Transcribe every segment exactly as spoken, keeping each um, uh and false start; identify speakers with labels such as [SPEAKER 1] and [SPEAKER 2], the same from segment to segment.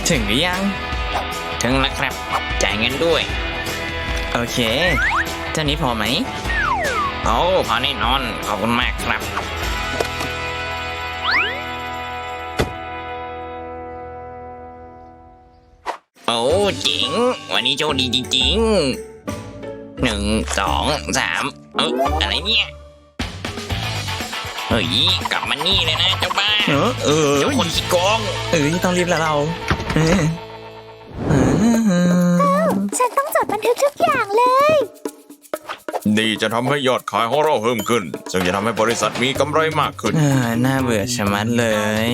[SPEAKER 1] ถึงหรือยัง
[SPEAKER 2] ถึงแล้วครับจ่ายเงินด้วย
[SPEAKER 1] โอเคเจ้านี้พอไหม
[SPEAKER 2] โอ้พอแน่นอนขอบคุณมากครับโอ้เจ๋งวันนี้โชคดีจริงๆหนึ่งสองสามเอออะไรเนี่ยเฮ้ยกลับมานี่เลยนะเจ้าบ้า
[SPEAKER 1] เออเออ
[SPEAKER 2] เจ้าคนขี้โกง
[SPEAKER 1] เออต้องรีบแล้วเราเออ
[SPEAKER 3] ฉันต้องจดบันทึกทุกอย่างเลย
[SPEAKER 4] นี่จะทำให้ยอดขายของเราเพิ่มขึ้นซึ่งจะทำให้บริษัทมีกำไรมากขึ้น
[SPEAKER 1] น่าเบื่อชะมัดเลย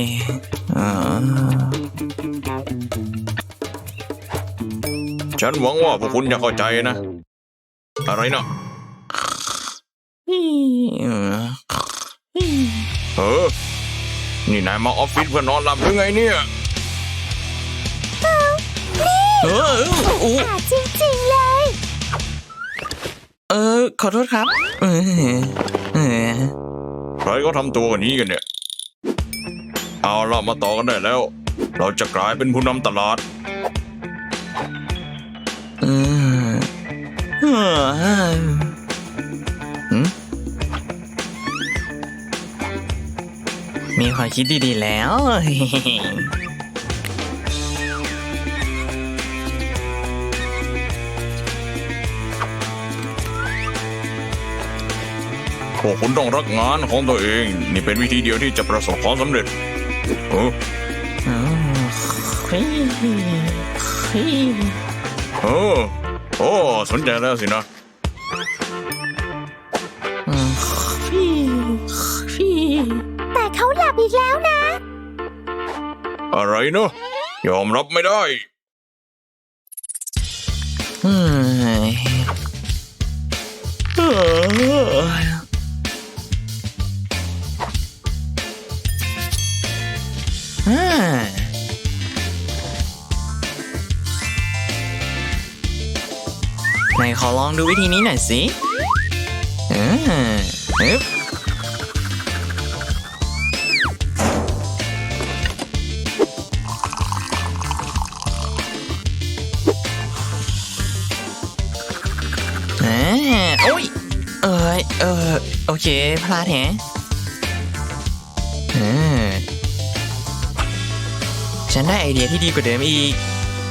[SPEAKER 4] ฉันหวังว่าพวกคุณจะเข้าใจนะอะไรนะเออนี่นายมาออฟฟิศเพื่อนอนหลับหรือไงเนี่ย
[SPEAKER 1] เออโอ้
[SPEAKER 3] จริงๆเลย
[SPEAKER 1] เออขอโทษครับเออเออ
[SPEAKER 4] ใครก็ทำตัวกันนี้กันเนี่ยเอาล่ะมาต่อกันได้แล้วเราจะกลายเป็นผู้นำตลาด
[SPEAKER 1] เออเออมีความคิดดีๆแล้ว
[SPEAKER 4] พวกคุณต้องรักงานของตัวเองนี่เป็นวิธีเดียวที่จะประสบความสำเร็จเออเออโอ้สนใจแล้วสินะ
[SPEAKER 3] แต่เขาหลับอีกแล้วนะ
[SPEAKER 4] อะไรเนอะยอมรับไม่ได้
[SPEAKER 1] อืมไหนขอลองดูวิธีนี้หน่อยสิเออฮึบเออโอ้ยเออเออโอเคพลาดแฮะเออฉันได้ไอเดียที่ดีกว่าเดิมอีก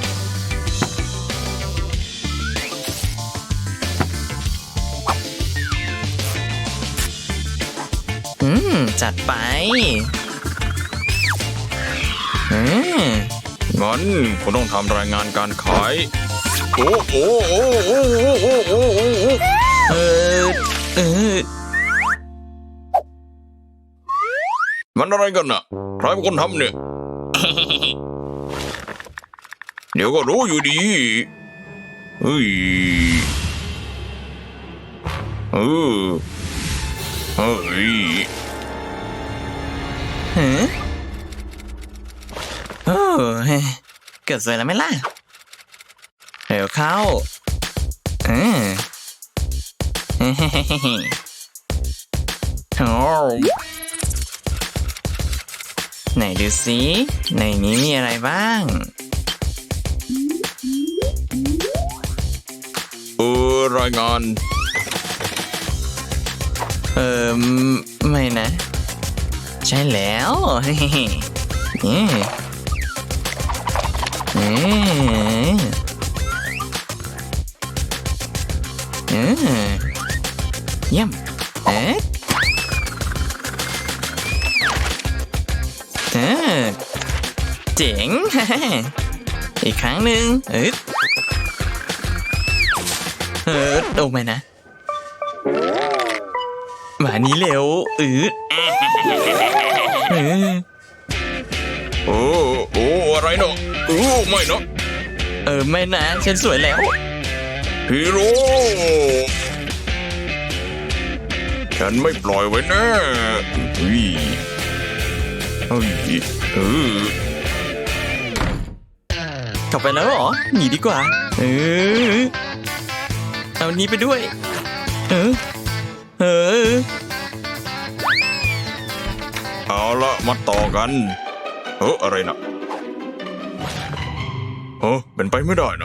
[SPEAKER 1] อืมจัดไปอืม
[SPEAKER 4] งั้นคุณต้องทำรายงานการขายโอ้โอ้โอ้โอ้โอ้โอ้โอ้โอ้
[SPEAKER 1] เออเออ
[SPEAKER 4] มันอะไรกันน่ะใครเป็นคนทำเนี่ย เดี๋ยวก็รู้อยู่ดีเฮ้ยเออเฮ้ย
[SPEAKER 1] ฮะโอ้เกิดสวยแล้วไหมล่ะเร็วเข้าเออเฮ้โอ้ไหนดูสิในนี้มีอะไรบ้าง
[SPEAKER 4] เออรายงาน
[SPEAKER 1] เออไม่นะใช่แล้วเฮ้เฮ้เฮ้เออเยี่ยมเอ๊ะเออเจ๋งอีกครั้งหนึ่งเออเออโอ้ไม่นะมานี้เร็วเออเออ
[SPEAKER 4] โอ้โอ้อะไรเนาะโอ้ไม่เนาะ
[SPEAKER 1] เออไม่นะฉันสวยแล้ว
[SPEAKER 4] ฮีโร่ฉันไม่ปล่อยไว้แน่เฮ้ยเฮ้ยเออก
[SPEAKER 1] ลับไปแล้วเหรอหนีดีกว่าเออเอานี้ไปด้วยเออเออ
[SPEAKER 4] เอาละมาต่อกันเฮ้ออะไรนะเฮ้เป็นไปไม่ได้นะ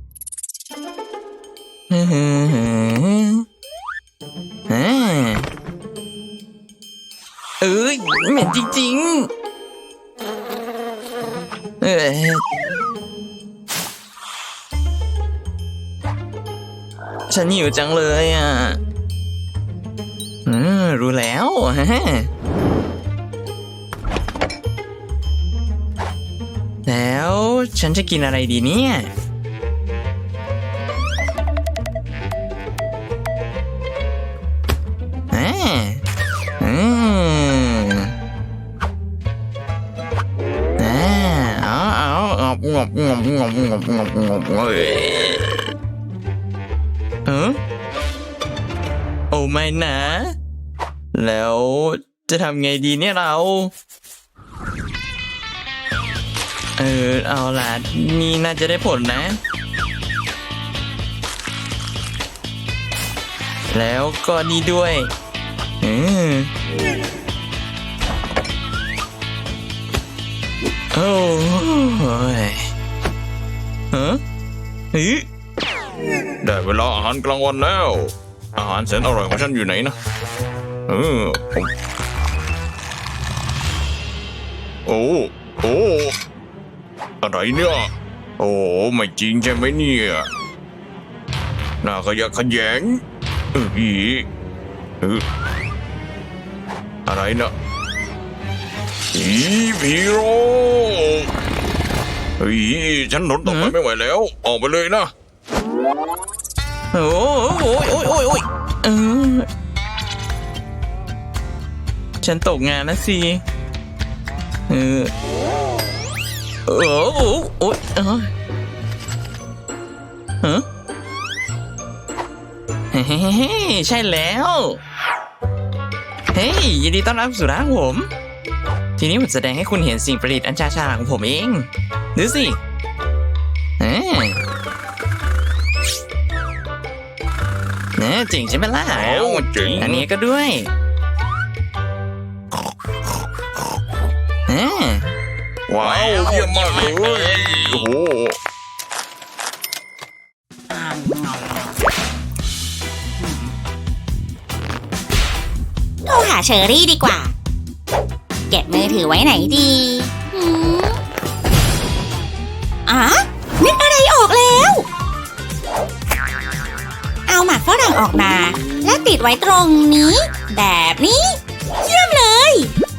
[SPEAKER 1] ฮึ่มอ่าเอ้ยเหม็นจริงๆเออฉันหิวจังเลยอ่ะอืมรู้แล้วฮะแล้วฉันจะกินอะไรดีเนี่ยอ่าอืมอ่าเอาเอาเอางบงบงบงบงบงบเอ้ยเออโอ้ไม่นะ แล้วจะทำไงดีเนี่ยเรา เออเอาล่ะนี่น่าจะได้ผลนะ แล้วก็นี่ด้วยเออโอ้ยฮะเฮ้ย
[SPEAKER 4] ได้เวลาอาหารกลางวันแล้ว อาหารแสนอร่อยของฉันอยู่ไหนนะเออผมโอ้โอ้อะไรเนี่ยโอ้ไม่จริงใช่ไหมเนี่ยน่าขยะแขยงเอออีเอออะไรนะอีพีโร่เฮ้ยฉันทนต่อไปไม่ไหวแล้ว ออกไปเลยนะ
[SPEAKER 1] โอ้โอ้ยโอ้ยโอ้ยโอ้ยเออฉันตกงานนะสิเออโอ้โอ้โอ้ยเออฮะเฮ้ใช่แล้วเฮ้ยยินดีต้อนรับสู่ร้านผม ทีนี้ผมแสดงให้คุณเห็นสิ่งประดิษฐ์อันชาญฉลาดของผมเองดูสิเออเนี่ยจริงใช่ไหมล่ะ
[SPEAKER 4] โอ้จริง
[SPEAKER 1] อันนี้ก็ด้วยเออ
[SPEAKER 4] ว้าวเยี่ยมมากเลยโอ้โห
[SPEAKER 3] โทรหาเชอรี่ดีกว่า เก็บมือถือไว้ไหนดีหืมอ๋อนึกอะไรออกแล้ว เอาหมากฝรั่งออกมา และติดไว้ตรงนี้ แบบนี้ เยี่ยมเลย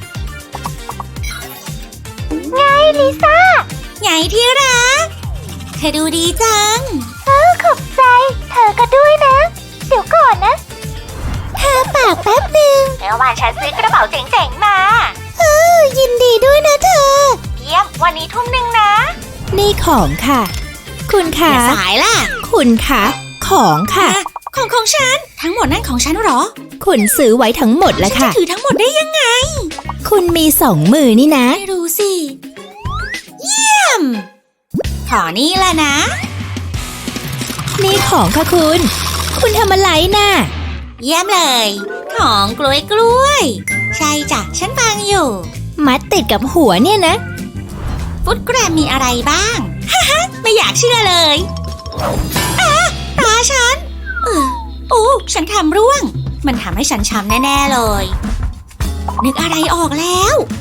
[SPEAKER 3] ไงลิซ่าไงที่รักเธอดูดีจังเออขอบใจ เธอก็ด้วยนะ เดี๋ยวก่อนนะเธอปากแป๊บหนึ่งเมื่อวานฉันซื้อกระเป๋าเจ๋งๆมาเออยินดีด้วยนะเธอเยี่ยมวันนี้ทุ่มหนึ่งนะ
[SPEAKER 5] นี่ของค่ะ คุณ
[SPEAKER 3] อ
[SPEAKER 5] คะ
[SPEAKER 3] ย่าสายล่ะ
[SPEAKER 5] คุณคะของค่ะ
[SPEAKER 3] อ่ะของของฉัน ทั้งหมดนั่นของฉันเหรอ
[SPEAKER 5] คุณซื้อไว้ทั้งหมดแล้ว
[SPEAKER 3] ฉัน
[SPEAKER 5] ค่ะ
[SPEAKER 3] จะถือทั้งหมดได้ยังไง
[SPEAKER 5] คุณมีสองมือนี่นะ
[SPEAKER 3] ไม่รู้สิ เยี่ยม ขอนี่ละนะ
[SPEAKER 5] นี่ของค่ะคุณ คุณทำอะไรน่ะ
[SPEAKER 3] เยี่ยมเลย ของกล้วยกล้วย ใช่จ้ะ ฉันฟังอยู่
[SPEAKER 5] มัดติดกับหัวเนี่ยนะ
[SPEAKER 3] ฟุตแกรมมีอะไรบ้าง ฮ่าฮ่าไม่อยากเชื่อเลยอ่ะตาฉันเออโอ้ฉันทำร่วง มันทำให้ฉันช้ำแน่ ๆ เลย นึกอะไรออกแล้ว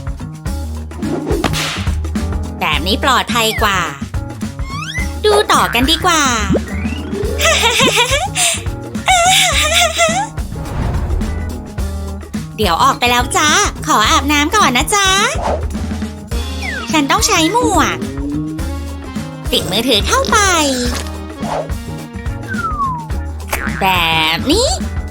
[SPEAKER 3] แบบนี้ปลอดภัยกว่า ดูต่อกันดีกว่า เดี๋ยวออกไปแล้วจ้า ขออาบน้ำก่อนนะจ๊ะ ฉันต้องใช้หมวก ติดมือถือเข้าไป แบบนี้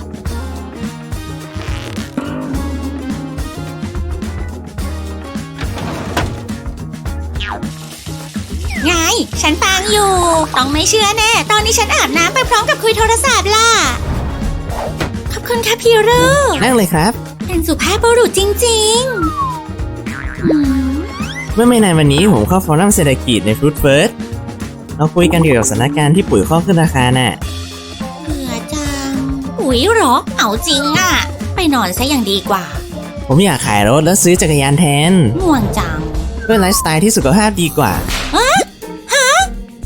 [SPEAKER 3] ไง ฉันฟังอยู่ ต้องไม่เชื่อแน่ ตอนนี้ฉันอาบน้ำไปพร้อมกับคุยโทรศัพท์ล่ะ ขอบคุณค่ะพี่รู
[SPEAKER 6] นั่งเลยครับ
[SPEAKER 3] เป็นสุภาพบุรุษจริงๆอืม
[SPEAKER 6] เมื่อไม่นานวันนี้ผมเข้าฟอรัมเศรษฐกิจใน Fruit First เราคุยกันเกี่ยวกับสถานการณ์ที่ปุ๋ยข้อขึ้นราคาน่ะ
[SPEAKER 3] เบื่อจัง อุ๊ยเหรอ เอาจริงอะไปนอนซะอย่างดีกว่า
[SPEAKER 6] ผมอยากขายรถแล้วซื้อจักรยานแทน
[SPEAKER 3] ง่วงจัง
[SPEAKER 6] เพื่อไลฟ์สไตล์ที่สุขภาพดีกว่า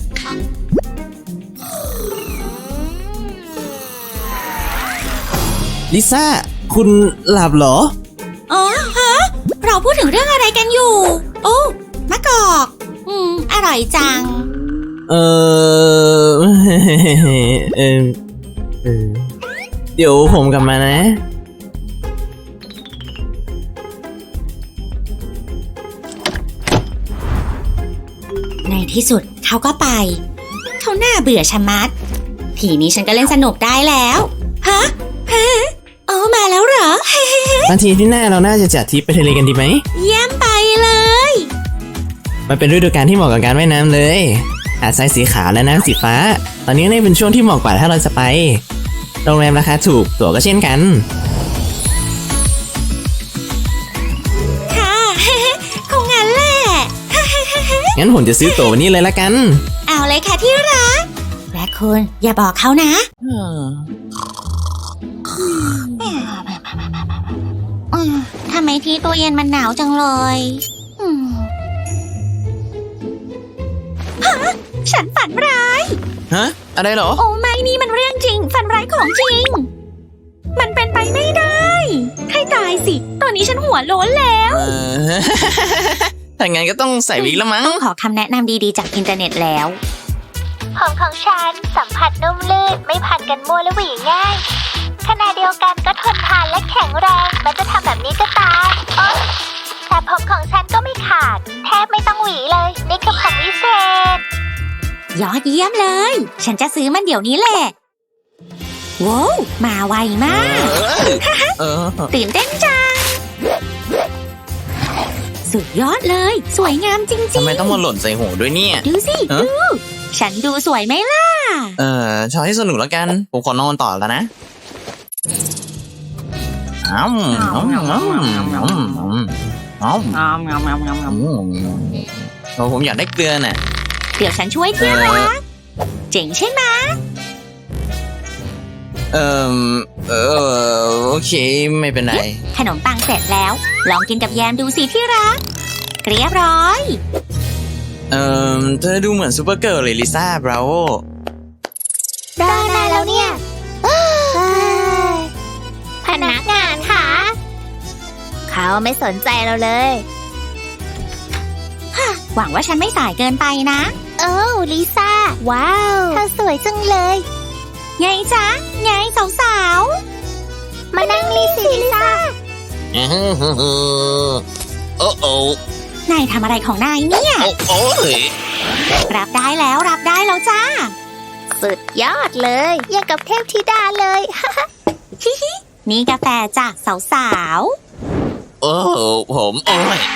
[SPEAKER 6] ลิซ่า คุณหลับเหรอ
[SPEAKER 3] อ๋อฮะเราพูดถึงเรื่องอะไรกันอยู่ โอ้มะกอก อืม อร่อยจัง
[SPEAKER 6] เออ เออเออเดี๋ยวผมกลับมานะ
[SPEAKER 3] ในที่สุดเขาก็ไป เขาหน้าเบื่อชะมัด ทีนี้ฉันก็เล่นสนุกได้แล้ว ฮะ ฮะโอ้มาแล้วเหรอ
[SPEAKER 6] บางทีที่หน้าเราน่าจะจัดทริปไปทะเลกันดีไหม
[SPEAKER 3] เยี่ยมไปเลย
[SPEAKER 6] มันเป็นฤดูกาลที่เหมาะกับการว่ายน้ำเลย หาดทรายสีขาวและน้ำสีฟ้า ตอนนี้นี่เป็นช่วงที่เหมาะกว่าถ้าเราจะไป โรงแรมราคาถูก ตั๋วก็เช่นกัน
[SPEAKER 3] ค่ะ คงงั้นแหละ
[SPEAKER 6] งั้นผมจะซื้อตั๋ววันนี้เลยละกัน
[SPEAKER 3] เอาเลยค่ะที่รัก และคุณอย่าบอกเขานะ อืมทำไมที่ตู้เย็นมันหนาวจังเลยอืมฮะฉันฝันร้าย
[SPEAKER 1] ฮะ อะไรเหรอ
[SPEAKER 3] โอ้ไม่นี่มันเรื่องจริง ฝันร้ายของจริง มันเป็นไปไม่ได้ ให้ตายสิ ตอนนี้ฉันหัวโล้นแล้ว
[SPEAKER 1] เออ ถ้างั้นก็ต้องใส่วิกแล้วมั้ง
[SPEAKER 3] ต้องขอคำแนะนำดีๆจากอินเทอร์เน็ตแล้วผมของฉันสัมผัสนุ่มลื่นไม่พันกันมั่วและหวีง่ายขณะเดียวกันก็ทนทานและแข็งแรงแม้จะทำแบบนี้ก็ตามโอ๊ยแต่ผมของฉันก็ไม่ขาดแทบไม่ต้องหวีเลยนี่คือผมวิเศษยอดเยี่ยมเลย ฉันจะซื้อมันเดี๋ยวนี้แหละว้าวมาไวมาก
[SPEAKER 1] เออ
[SPEAKER 3] ตื่นเต้นจังสุดยอดเลย สวยงามจริง
[SPEAKER 1] ทำไมต้องมาหล่นใส่หัวด้วยเนี่ย
[SPEAKER 3] ๆดูสิ
[SPEAKER 1] ฮะ
[SPEAKER 3] ดูฉันดูสวยไหมล่ะ
[SPEAKER 1] เออชอบให้สนุกแล้วกัน ผมขอนอนต่อแล้วนะอ้าวอ้าวอ้าวอ้าวอ้าวอ้าวอ้าวผมอยากได้เกลือน่ะ
[SPEAKER 3] เดี๋ยวฉันช่วยที่รักเจ๋งใช่ไหม
[SPEAKER 1] เออเออโอเคไม่เป็นไร
[SPEAKER 3] ขนมปังเสร็จแล้ว ลองกินกับแยมดูสิที่รักเรียบร้อย
[SPEAKER 1] เออเธอดูเหมือนซูเปอร์เกิร์ลเลยลิซ่าบราโว
[SPEAKER 3] รอนานแล้วเนี่ยพนักงานค่ะเขาไม่สนใจเราเลยหวังว่าฉันไม่สายเกินไปนะโอ้ลิซ่าว้าวเธอสวยจังเลยไงจ๊ะไงสาวๆมานั่งนี่สิลิซ่า
[SPEAKER 2] โอ้โอ้
[SPEAKER 3] นายทำอะไรของนายเนี่ย
[SPEAKER 2] โอ้โอ้ย
[SPEAKER 3] รับได้แล้วรับได้แล้วจ้าสุดยอดเลยอย่างกับเทพธิดาเลย ฮิฮินี่กาแฟจากสาว
[SPEAKER 2] โอ้ผมโอ้ย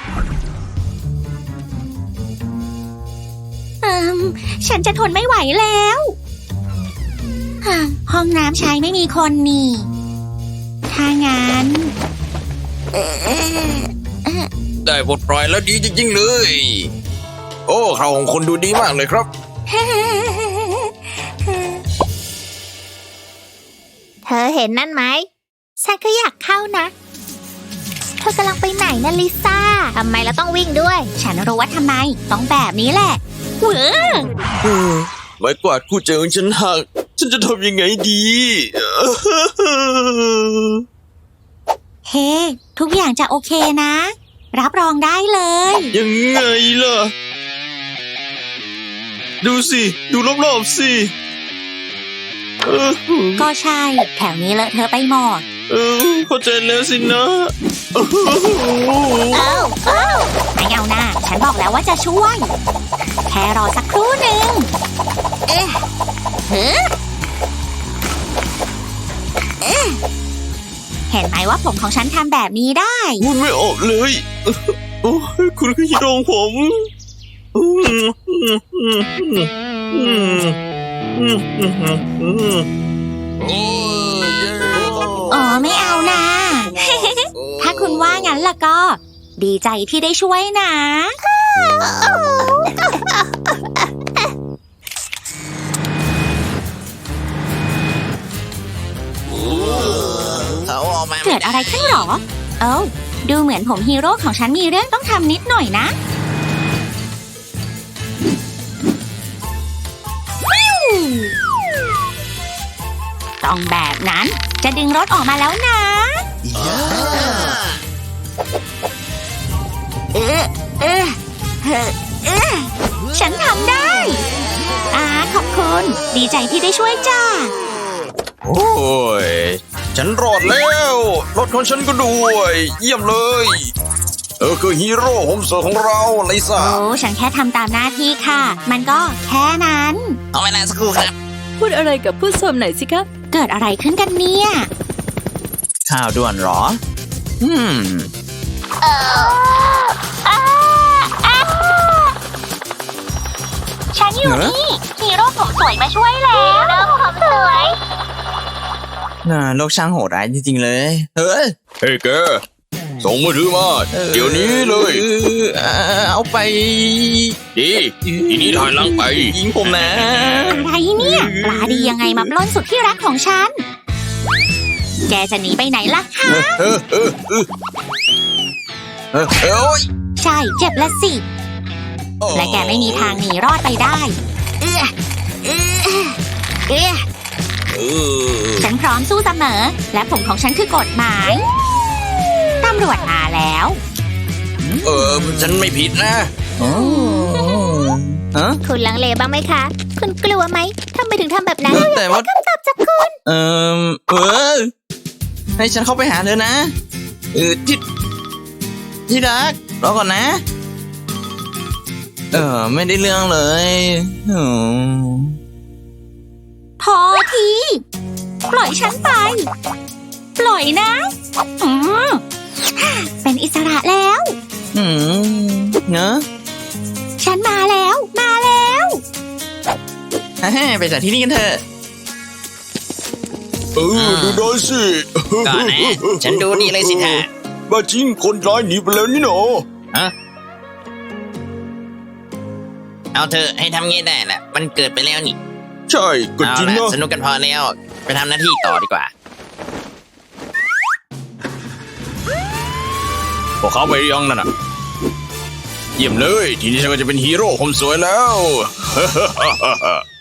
[SPEAKER 3] ๆอืมฉันจะทนไม่ไหวแล้วฮ่าห้องน้ำใช้ไม่มีคนนี่ ถ้างั้น
[SPEAKER 2] ได้บทปล่อยแล้วดีจริงๆเลย โอ้เขาของคนดูดีมากเลยครับ
[SPEAKER 3] เธอเห็นนั่นไหมฉันก็อยากเข้านะเธอกำลังไปไหนนะลิซ่าทำไมเราต้องวิ่งด้วย ฉันรู้ว่าทำไมต้องแบบนี้แหละเว้อ
[SPEAKER 2] ไม้กวาดคู่ใจของฉันหัก ฉันจะทำยังไงดี
[SPEAKER 3] เฮ้ ทุกอย่างจะโอเคนะ รับรองได้เลย
[SPEAKER 2] ยังไงล่ะ ดูสิ ดูรอบๆสิเออ
[SPEAKER 3] ก็ใช่ แถวนี้เลอะเธอะไปหมด
[SPEAKER 2] เออเข้าใจแล้วสินะ
[SPEAKER 3] เอ้าเอ้าไม่เอาหน้าฉันบอกแล้วว่าจะช่วย แค่รอสักครู่หนึ่งเอ๊ะเฮ้อเอ๊ะเห็นไหมว่าผมของฉันทำแบบนี้ได้
[SPEAKER 2] พูดไม่ออกเลย โอ้ยคุณขยี้ดองผมอืมอืมอืมอืมอืมอืมอืมโอ้ยเย้
[SPEAKER 3] อ๋อไม่เอานะ ถ้าคุณว่างั้นล่ะก็ ดีใจที่ได้ช่วยนะ
[SPEAKER 1] เขาออกมา
[SPEAKER 3] เกิดอะไรขึ้นหรอ เอ้าดูเหมือนผมฮีโร่ของฉันมีเรื่องต้องทำนิดหน่อยนะต้องแบบนั้น จะดึงรถออกมาแล้วนะ เออเออเออเออฉันทำได้อาขอบคุณ ดีใจที่ได้ช่วยจ้า
[SPEAKER 4] โอ้ย ฉันรอดแล้ว รถของฉันก็ด้วย เยี่ยมเลย เธอคือฮีโร่โฮมสวยของเราลิซ่า
[SPEAKER 3] โอ้ ฉันแค่ทำตามหน้าที่ค่ะ มันก็แค่นั้น
[SPEAKER 2] เอาเวลาสักครู่ครับ
[SPEAKER 5] พูดอะไรกับผู้ชมหน่อยสิคะ
[SPEAKER 3] เกิดอะไรขึ้นกันเนี่ย
[SPEAKER 1] ข่าวด่วนเหรอ อืม
[SPEAKER 3] ฉันอยู่นี่ฮีโร่ผมสวยมาช่วยแล้วฮีโร่ผมสวย
[SPEAKER 1] น่าโลกช่างโหดร้ายจริงๆเลย เฮ้ย
[SPEAKER 4] เฮ้ยแก ส่งมือถือมา เดี๋ยวนี้เลย
[SPEAKER 1] เออเอาไป
[SPEAKER 4] ดีทีนี้ถอยหลังไป
[SPEAKER 1] ยิงผมนะ
[SPEAKER 3] อะไรเนี่ยปลาดียังไงมาปล้นสุดที่รักของฉัน แกจะหนีไปไหนล่ะคะ
[SPEAKER 4] เออเออเออเออเอ้ย
[SPEAKER 3] ใช่เจ็บละสิ และแกไม่มีทางหนีรอดไปได้ เอื้อเอื้อเอื้อ
[SPEAKER 4] เออ
[SPEAKER 3] ฉันพร้อมสู้เสมอ และผมของฉันคือกฎหมาย ตำรวจมาแล้ว
[SPEAKER 4] เออ ฉันไม่ผิดนะ
[SPEAKER 1] โอ้ฮะ
[SPEAKER 3] คุณลังเลบ้างไหมคะ คุณกลัวไหมทำไมถึงทำแบบนั้น
[SPEAKER 1] แต่ว่า
[SPEAKER 3] คำตอบจากคุณ
[SPEAKER 1] เออเออ ให้ฉันเข้าไปหาเธอนะ เออที่ที่รักรอก่อนนะ เออ ไม่ได้เรื่องเลยออ
[SPEAKER 3] พอที ปล่อยฉันไป ปล่อยนะอืมเป็นอิสระแล้ว
[SPEAKER 1] อืมเนอะ
[SPEAKER 3] ฉันมาแล้ว มาแล้ว
[SPEAKER 1] ฮ่าๆไปจากที่นี่กันเถอะ
[SPEAKER 4] เออ ดูได้สิ
[SPEAKER 2] ก่อนนะ ฉันดูดีเลยสิท่า
[SPEAKER 4] บ้าจริงคนร้ายหนีไปแล้วนี่หนอ
[SPEAKER 2] เอาเธอะให้ทำงี้ได้แหละ มันเกิดไปแล้วนี่
[SPEAKER 4] ใช่ก็
[SPEAKER 2] เอา
[SPEAKER 4] จริง
[SPEAKER 2] ละ
[SPEAKER 4] นะ
[SPEAKER 2] สนุกกันพอแล้ว ไปทำหน้าที่ต่อดีกว่า
[SPEAKER 4] พวกเขาไปยังนั่นน่ะ เยี่ยมเลย ทีนี้ฉันก็จะเป็นฮีโร่ผมสวยแล้ว